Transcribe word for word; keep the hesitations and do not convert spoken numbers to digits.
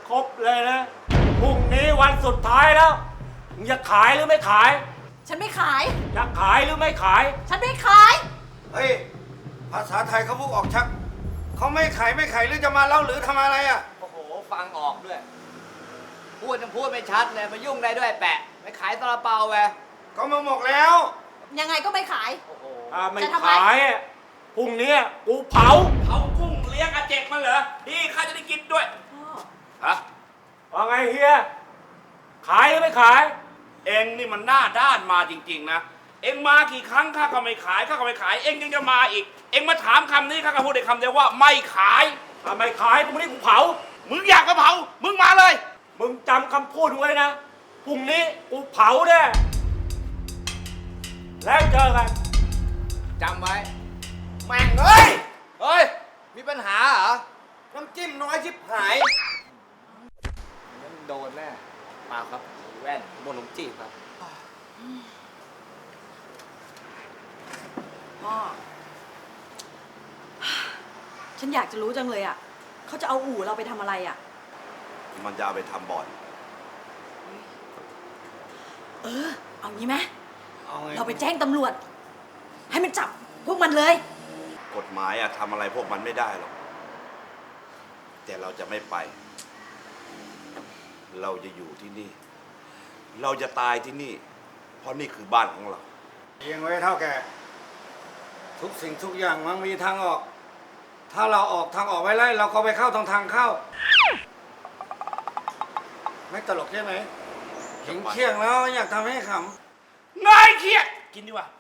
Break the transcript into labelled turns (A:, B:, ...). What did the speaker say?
A: ครบเลยนะพรุ่งนี้วันสุดท้ายแล้วมึงจะขายหรือไม่ขาย
B: ฉันไม่ขาย
A: จะขายหรือไม่ขาย
B: ฉันไม่ขาย
C: เฮ้ยภาษาไทยเขาพูดออกชักเขาไม่ขายไม่ขายหรือจะมาเล่าหรือทำอะไรอ่ะ
D: โอ้โหฟังออกด้วย พูดยังพูดไม่ชัดเลยมายุ่งได้ด้วยแปะไม่ขายซาลาเปาไป
C: ก็มาหมกแล้ว
B: ยังไงก็ไม่ขาย
D: โอ้โห
A: ถ้าไม่
B: จะทำไม
A: ขายอะพรุ่งนี้กูเผา
E: เขากุ้งเลี้ยงอาเจกมันเหรอนี่ข้าจะได้กินด้วย
B: พ่อ
E: ฮะ
A: ว่าไงเฮีย ขายหรือไม่ขาย
E: เองนี่มันหน้าด้านมาจริงๆนะเองมากี่ครั้งข้าก็ไม่ขายข้าก็ไม่ขาย เองยังจะมาอีก เองมาถามคำนี้ข้าก็พูดได้คำเดียวว่าไม่ขาย
A: ถ้าไม่ขายพรุ่งนี้กูเผา
E: มึงอยากกระเผามึงมาเลย
A: มึงจำคำพูดไว้นะ พรุ่งนี้กูเผาแน่แล้วเจอกัน
D: จำไว้
C: แม่งเอ้ย
D: เฮ้ย มีปัญหาเหรอ
C: น้ำจิ้มน้อยชิบหาย
D: งั้นโดนแน่เปล่าครับแว่นบนหลงจีบครับ
B: พ่อ ฉันอยากจะรู้จังเลยอ่ะ เขาจะเอาอู่เราไปทำอะไรอ่ะ
F: มันจะเอาไปทำบ่อน
B: เออ เอางี้ไหม
C: เอาไง
B: เราไปแจ้งตำรวจ ให้มันจับพวกมันเลย
F: กฎหมายอะทำอะไรพวกมันไม่ได้หรอก แต่เราจะไม่ไป เราจะอยู่ที่นี่ เราจะตายที่นี่ เพราะนี่คือบ้านของเรา
C: เอียงไว้เท่าแก่ทุกสิ่งทุกอย่างมันมีทางออก ถ้าเราออกทางออกไว้ไล่เราก็ไปเข้าทางทางเข้า ไม่ตลกใช่ไหมเห็นเคียงแล้วอยากทำให้ขำ
E: นายเครียดกินดีกว่า